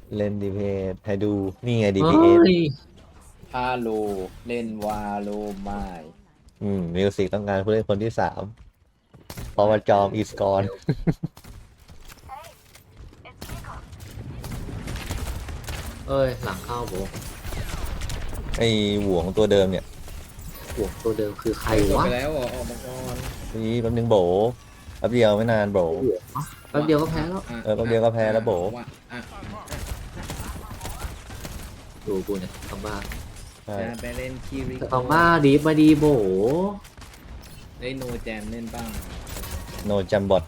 เล่นดีเพสให้ดูนี่ไงดีเฮ้พีเอสยฮาโลเล่นวาโลไม่มิวสิกต้องการผู้เล่นคนที่สามเพราะว่าจอมอีสกอนเอ้ยหลังเข้าโบไอหวงตัวเดิมเนี่ยห่วงตัวเดิมคือใครจบวะไปแล้วเหรอออกมาก่อนนี่แป๊บนึงโบแป๊บเดียวไม่นานโบห่วงแป๊บเดียวก็แพ้แล้วแป๊บเดียวก็แพ้แล้วโบว่าอ่ะดูกูเนี่ยคำบ้าใช่จะไปเล่นคีริคำบ้าดีมาดีโบได้โนแจมเล่นบ้างโนจัมบอท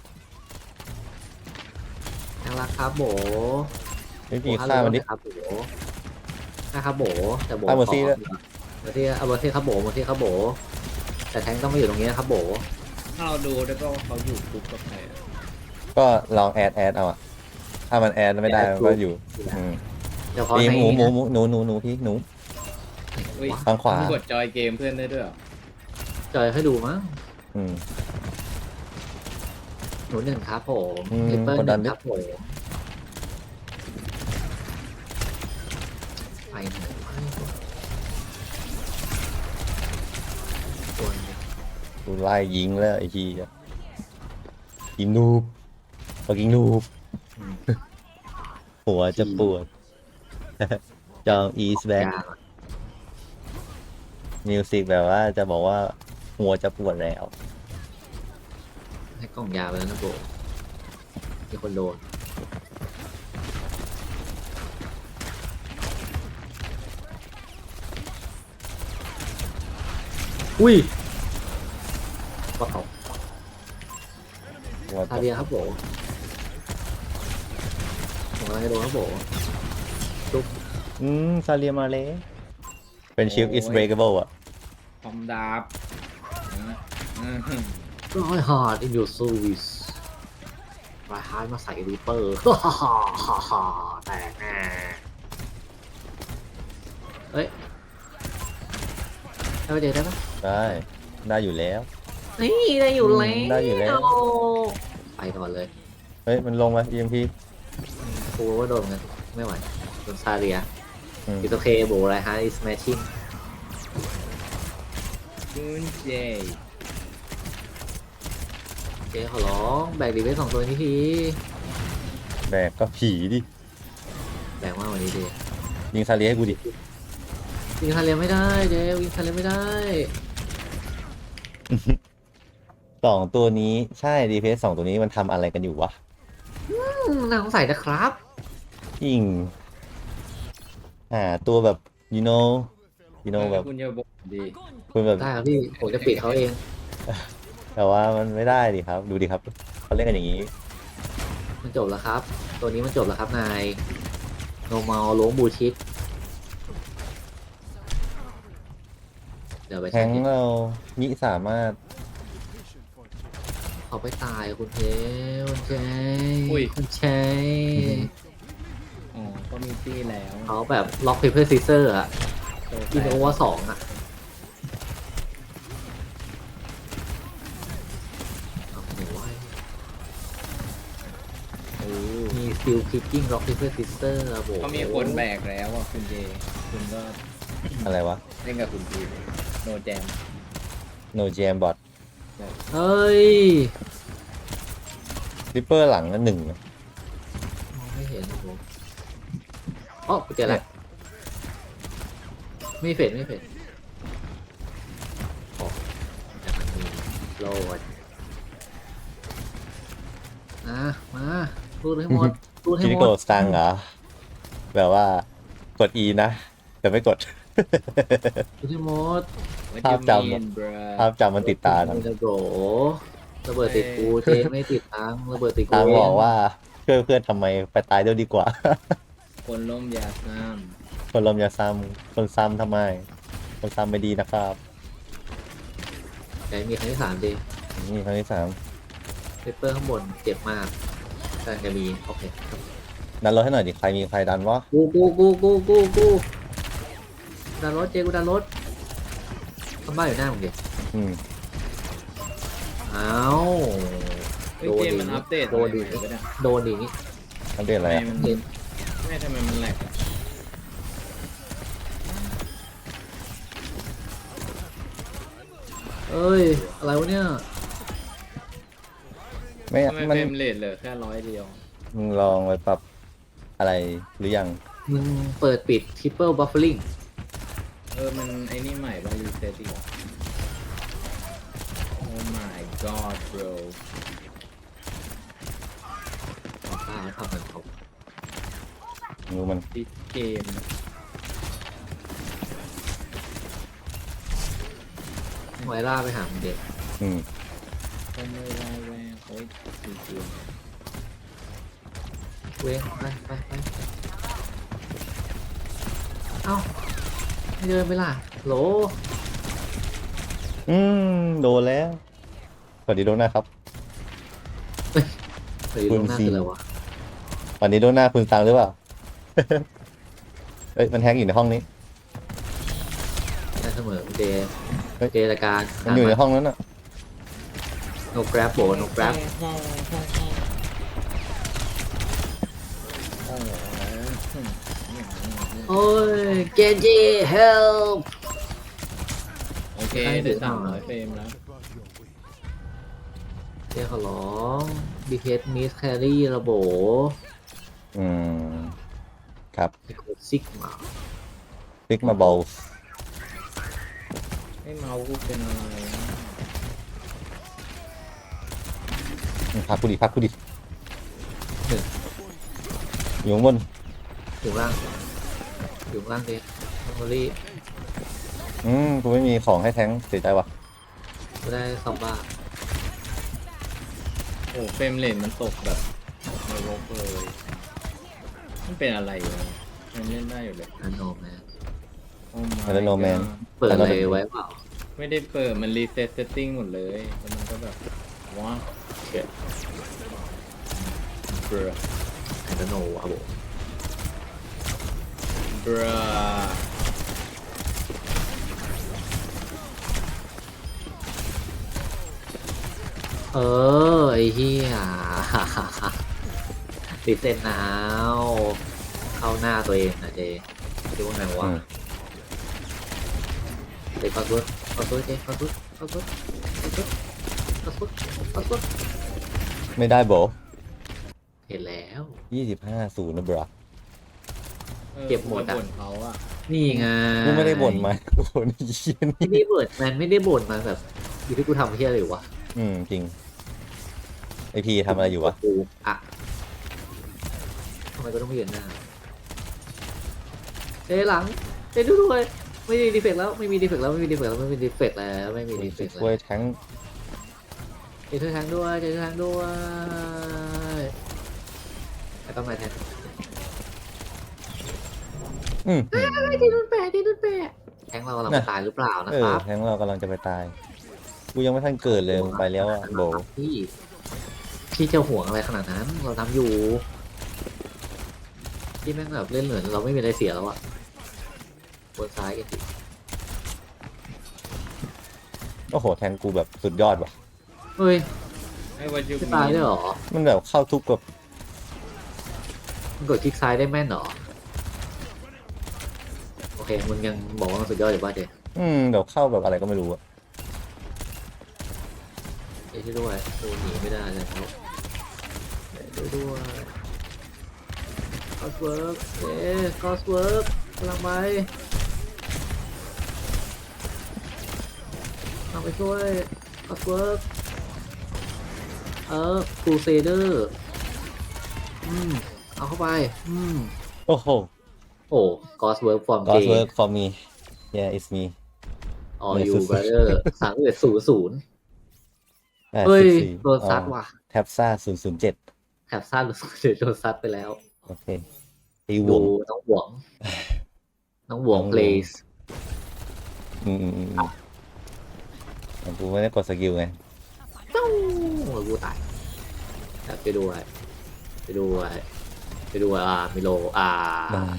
น่ารักครับโบไม่มีค่ามันดิครับโบนะครับโบแต่โบฆ่าเมอร์ซี่ด้วยเมอร์ซี่เอาเมอร์ซี่ครับโบเมอร์ซี่ครับโบแต่แทงต้องมาอยู่ตรงนี้นะครับโบถ้าเราดูแล้วก็เขาอยู่คุกกับใครอะก็ลองแอดเอาอะถ้ามันแอดไม่ได้มันก็อยู่อืมเฉพาะพี่ในหนูพี่หนูอุ้ยทางขวามึงกดจอยเกมเพื่อนได้ด้วยเหรอจอยให้ดูมั้งอืมหนูหนึ่งครับผมอืมลิปเปอร์กดหดันึ่นงดิครับผมไปไหนวะตัวหนึ่งกูไล่ยิงแล้วไอ้ทียิงนูบเขายิงนูบอืมหัวจะปวด จอมอีสแบ็กยากอะมิวสิกแบบว่าจะบอกว่าหัวจะปวดแล้วให้กล่องยาไปแล้วนะโบมีคนโดนอุ้ยก็เอาหัวซาจะเบียครับโบผมกำลังจะโดนครับโบจุ๊บซาเลียมาเลยเป็นชิลอิสเบรกเบิลอะคอมดาบอืมร้อยฮาร์ด in your service ร้อยฮาร์ดมาใส่รีเปอร์ ฮ่าฮ่าฮ่าฮ่าแตกแน่เฮ้ยได้ไปเจอได้ปะได้ได้อยู่แล้วนี่ได้อยู่แล้วได้อยู่แล้วไปก่อนเลยเฮ้ยมันลงมา EMP กูว่าโดนกันไม่ไหวโดนซาเรียอืมอิตโอเคโบไรฮาร์ด is smashing คุณเจเจ๊ขอร้องแบกดีไว้สองตัวนี้ทีแบกก็ผีดิแบกมากกว่านี้ดิยิงซาเลียให้กูดิยิงซาเรียไม่ได้เจ๊ยิงซาเรียไม่ได้สองตัวนี้ใช่ดีเพสสองตัวนี้มันทำอะไรกันอยู่วะน่าสงสัยนะครับยิงตัวแบบ you know แบบคุณจะบอกดีคุณแบบได้ครับพี่ผมจะปิดเขาเองแต่ว่ามันไม่ได้ดิครับ ดูดิครับเขาเล่นกันอย่างนี้มันจบแล้วครับ ตัวนี้มันจบแล้วครับนายโนมาล้วงบูชิดเดี๋ยวไปแทใช้งเรามิสามารถเขาไปตายคุณเจคุณเจคุณเจอ๋อก็มีตี้แล้วเขาแบบล็อกเพเปอร์ซีเซอร์อะโตอินโอเวอร์สองอะเอาหนูไว้ มีสติลคิกกิ้งล็อกเพเปอร์ซีเซอร์อะโบก็มีคนแบกแล้วอ่ะคุณเจคุณก็อะไรวะเล่นกับคุณพีโนแจม no jam bot เฮ้ยริปเปอร์หลังนั่นหนึ่งมองไม่เห็นนะผมอ๋อเจอแล้วไม่เฟดไม่เฟดอ๋อแต่มันมีโลดมาพูดให้หมดพูดให้คิริหมโกดสตังเหรอ แบบว่ากด E นะ แต่ไม่กดพูดให้หมดภาพจำอะ ภาพจำมันติดตาทระโบระเบิดติดกูเจไม่ติดตังระเบิดติดกูทางบอกว่าช่วยเพื่อนทำไมไปตายเดียวดีกว่าคนล้มยาซ้คนลมอย่าซ้ำคนซ้ำทำไม คนซ้ำไม่ดีนะครับแต่มีครั้งที่สามดินี่ครั้งที่สามเปเปอร์ข้างบนเจ็บมากกำลังจะมีโอเคดันรถให้หน่อยดิ ใครมีใครดันวะกูดันรถเจกูดันรถทำบ้านอยู่หน้ามึงดิอืมอ้าวำเฮ้ยเกมมันอัปเดตโดนดิอะไรไปเนี่ยโดนดินี่อัปเดตอะไรทำไมอะมันเห็นไม่ทำไมมันแหลกอะเอ้ย อะไรวะเนี่ยไม่ทำไมมันเฟรมเรทเหลือแค่100 เดียวมึงลองไปปรับอะไรหรือยังมึงเปิดปิด triple buffering มันไอ้นี่ใหม่ป่ะรีเซ็ตอีกเหรอ Oh my god bro ป้าทำมันเขารู้มัน this game ไวล่าไปหามึงเด็กอืมก็ไม่ได้แวงโอ้ยจริงเว้งไปเอ้าไม่เดินไปล่ะโหลโดนแล้วสวัสดีโดนหน้าครับเฮ้ยลงหน้าคืออะไรวะวันนี้โดนหน้าคุณตังหรือเปล่า เอ้ยมันแฮกอยู่ในห้องนี้ได้เสมอเดย์เฮ้ยเดย์ละการมันอยู่ในห้องนั้นอ่ะโนกราฟโบโนกราฟ โอ้ยเกนจิ help โอเคได้300 เฟรมแล้วเดี๋ยวขอร้องดีเพสมิสแครี่ระโบอืม ครับไอโคซิกมาฟิกมาบอลไอ้เมาส์กูเป็นอะไรนะพักกูดิอยู่ข้างบนอยู่ล่างเดย์เมมโมรี่กูไม่มีของให้แทงค์เสียใจว่ะก็ได้ซอมบ้าโอ้เฟรมเรทมันตกแบบนรกเลยมันเป็นอะไรวะมันเล่นได้อยู่เลยอันโนแมน Oh my แล้วโนแมน god เปิดเลยไว้เปล่าไม่ได้เปิดมันรีเซ็ตเซตติ้งหมดเลยแล้วมันก็แบบว้าวเช็ดเบรอไอโนอะโบเบรอเออไอเฮีย ติดเส้นหนาวเข้าหน้าตัวเองนะเจดูว่าไงวะ เด็กขอสุดเจ๊ขอสุดไม่ได้โบเห็นแล้ว 25-0นะบรอเก็บหมดอะบ่นเขาอะนี่ไงกูไม่ได้บ่นมากูบ่นไอ้เหี้ยไม่นี่ได้บ่นมันไม่ได้บ่นมาแบบอยู่ที่กูทำเฮียอะไรอยู่วะจริงไอพีทำอะไรอยู่วะกูอะทำไมก็ต้องไม่เห็นหน้าเจ๊หลังเจ๊ดูด้วยไม่มีดีเฟกต์แล้วไม่มีดีเฟกต์แล้วไม่มีดีเฟกต์แล้วช่วยแทงค์เจ๊ช่วยทางด้วยไอ้ต้องมาแทน เจ๊นุ่นแปะแทงเรากำลังจะตายหรือเปล่านะครับแทงค์เรากำลังจะไปตาย กูยังไม่ทันเกิดเลยมึงไปแล้วอ่ะโบพี่จะห่วงอะไรขนาดนั้น เราทำอยู่พี่แม่งแบบเล่นเหมือนเราไม่มีอะไรเสียแล้วอะบนซ้ายกันสิโอ้โหแทงค์กูแบบสุดยอดว่ะเฮ้ยไอ้วันยุคจะตายได้เหรอมันแบบเข้าทุกแบบมันกดคลิกซ้ายได้แม่นเหรอโอเคมึงยังบอกว่ามันสุดยอดอยู่ป่ะเจ๊แบบเข้าแบบอะไรก็ไม่รู้อะเจ๊ช่วยด้วยกูหนีไม่ได้เลยครับช่วยด้วยคอสเวิร์กเจ๊คอสเวิร์กกำลังไปช่วยคอสเวิร์กครูเซเดอร์เอาเข้าไปโอ้โหโอ้กอสเวิร์กฟอร์มเก God's ม work for me yeah it's me ออยูบราเดอร์3100เฮ้ยโดนซัดว่ะแท็บซ่า007 แถบซ่าหรือโดนซัดไปแล้วโอเคตีวดูงน้องหวง เพลสแต่กูไม่ได้กดสกิลไงตู้กูตายไปดูมิโล